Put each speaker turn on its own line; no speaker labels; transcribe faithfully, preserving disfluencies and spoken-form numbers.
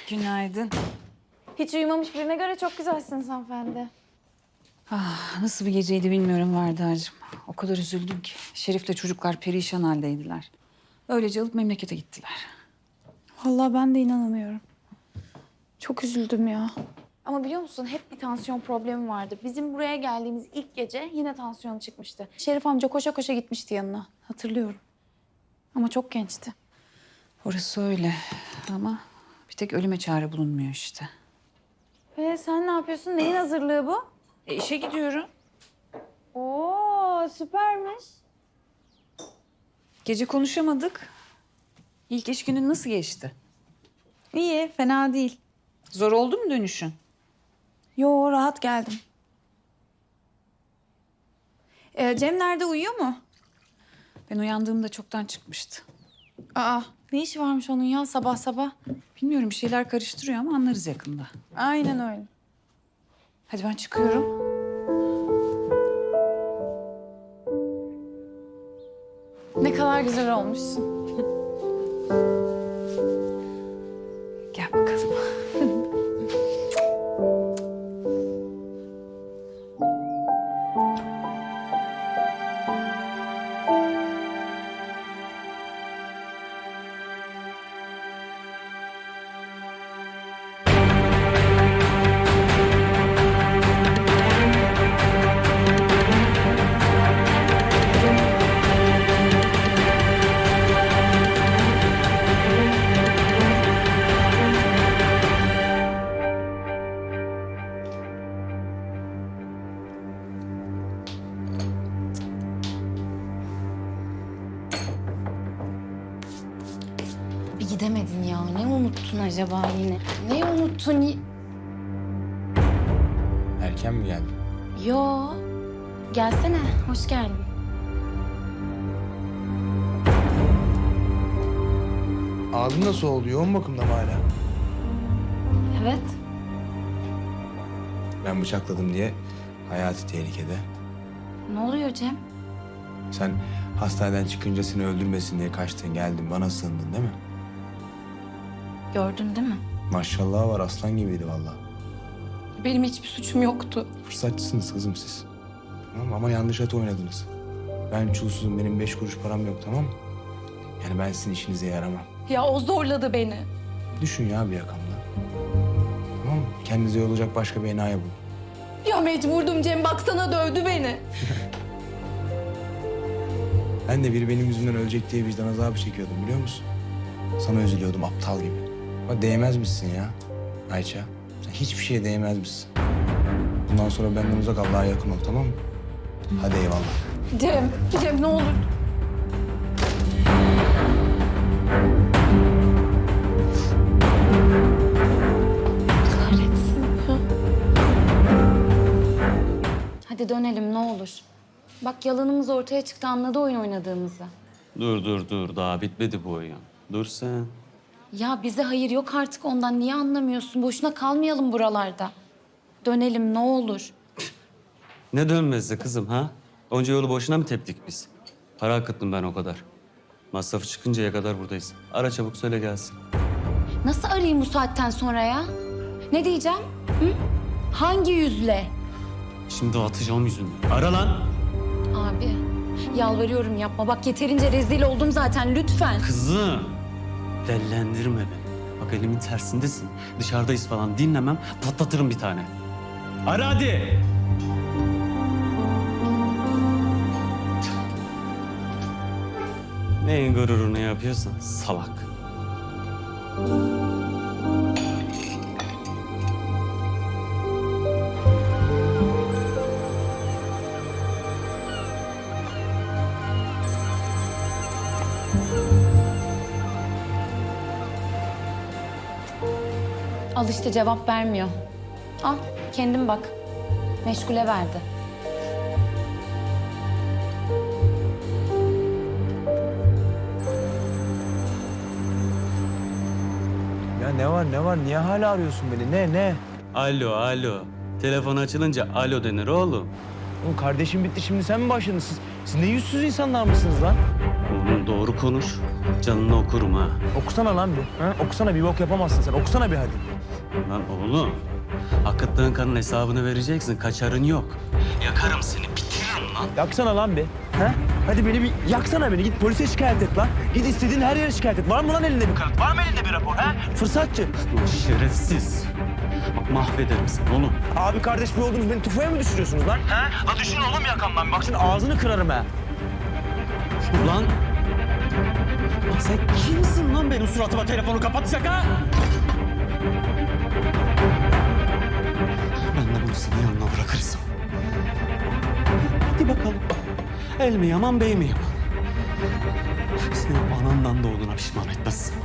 Günaydın.
Hiç uyumamış birine göre çok güzelsiniz hanımefendi.
Ah, nasıl bir geceydi bilmiyorum Varda'cığım. O kadar üzüldüm ki. Şerif'le çocuklar perişan haldeydiler. Öylece alıp memlekete gittiler.
Vallahi ben de inanamıyorum. Çok üzüldüm ya. Ama biliyor musun hep bir tansiyon problemi vardı. Bizim buraya geldiğimiz ilk gece yine tansiyonu çıkmıştı. Şerif amca koşa koşa gitmişti yanına. Hatırlıyorum. Ama çok gençti.
Orası öyle ama bir tek ölüme çare bulunmuyor işte.
Ee, sen ne yapıyorsun? Neyin hazırlığı bu?
E işe gidiyorum.
Oo, süpermiş.
Gece konuşamadık. İlk iş günün nasıl geçti?
İyi, fena değil.
Zor oldu mu dönüşün?
Yo, rahat geldim. Ee, Cem nerede, uyuyor mu?
Ben uyandığımda çoktan çıkmıştı.
Aa, ne işi varmış onun ya sabah sabah?
Bilmiyorum bir şeyler karıştırıyor ama anlarız yakında.
Aynen öyle.
Hadi ben çıkıyorum.
Ne kadar güzel olmuşsun.
Gel bakalım.
Bir gidemedin ya. Ne unuttun acaba yine? Ne unuttun? y-
Erken mi geldin?
Yo. Gelsene. Hoş geldin.
Ağzın nasıl oldu? Yoğun bakımda mı hala?
Evet.
Ben bıçakladım diye hayati tehlikede.
Ne oluyor Cem?
Sen hastaneden çıkınca seni öldürmesin diye kaçtın geldin bana sığındın değil mi?
Gördün değil mi?
Maşallah var aslan gibiydi vallahi.
Benim hiçbir suçum yoktu.
Fırsatçısınız kızım siz. Tamam mı? Ama yanlış at oynadınız. Ben çulsuzum benim beş kuruş param yok tamam mı? Yani ben sizin işinize yaramam.
Ya o zorladı beni.
Düşün ya bir yakamda. Tamam mı? Kendinize yol olacak başka bir enayi bulun.
Ya mecburdum Cem. Baksana dövdü beni.
Ben de biri benim yüzümden ölecek diye vicdan azabı çekiyordum biliyor musun? Sana üzülüyordum aptal gibi. Ama değmez misin ya Ayça? Sen hiçbir şeye değmez misin? Bundan sonra benden uzak Allah'a yakın ol tamam mı? Hadi eyvallah.
Cem. Cem ne olur. Kahretsin ya. Hadi dönelim ne olur. Bak yalanımız ortaya çıktı, anladı oyun oynadığımızı.
Dur dur dur daha bitmedi bu oyun. Dur sen.
Ya bize hayır yok artık ondan. Niye anlamıyorsun? Boşuna kalmayalım buralarda. Dönelim ne olur.
Ne dönmezdi kızım ha? Onca yolu boşuna mı teptik biz? Para akıttım ben o kadar. Masrafı çıkıncaya kadar buradayız. Ara çabuk söyle gelsin.
Nasıl arayayım bu saatten sonra ya? Ne diyeceğim? Hı? Hangi yüzle?
Şimdi atacağım yüzünü. Ara lan.
Abi yalvarıyorum yapma. Bak yeterince rezil oldum zaten lütfen.
Kızım. Dellendirme beni. Bak elimin tersindesin. Dışarıdayız falan dinlemem. Patlatırım bir tane. Ara hadi. Neyin gururunu yapıyorsan salak.
Al işte cevap vermiyor. Al kendin bak. Meşgule verdi.
Ya ne var ne var? Niye hala arıyorsun beni? Ne ne?
Alo alo. Telefon açılınca alo denir oğlum.
Oğlum kardeşim bitti, şimdi sen mi başladın? Siz, siz ne yüzsüz insanlar mısınız lan?
Oğlum doğru konuş. Canını okurum ha.
Okusana lan bir. Ha? Okusana, bir bok yapamazsın sen. Okusana bir hadi.
Lan oğlum. Akıttığın kanın hesabını vereceksin. Kaçarın yok. Yakarım seni, bitiririm lan.
Yaksana lan bir. Ha? Hadi beni bir yaksana beni. Git polise şikayet et lan. Git istediğin her yere şikayet et. Var mı lan elinde bir kanıt? Var mı elinde bir rapor? Ha? Fırsatçı.
Lan şerefsiz. Bak mahvederim seni oğlum.
Abi kardeş bir oldunuz, beni tufaya mı düşürüyorsunuz lan? Ha? La düşün oğlum yakamdan. Bak şimdi ağzını kırarım ha.
Ulan. Bak sen kimsin lan benim suratıma telefonu kapatacak ha? Ben de bunu senin yanına bırakırsam. Hadi bakalım. El mi yaman bey mi yaman? Senin anandan doğduğuna pişman etmezsin.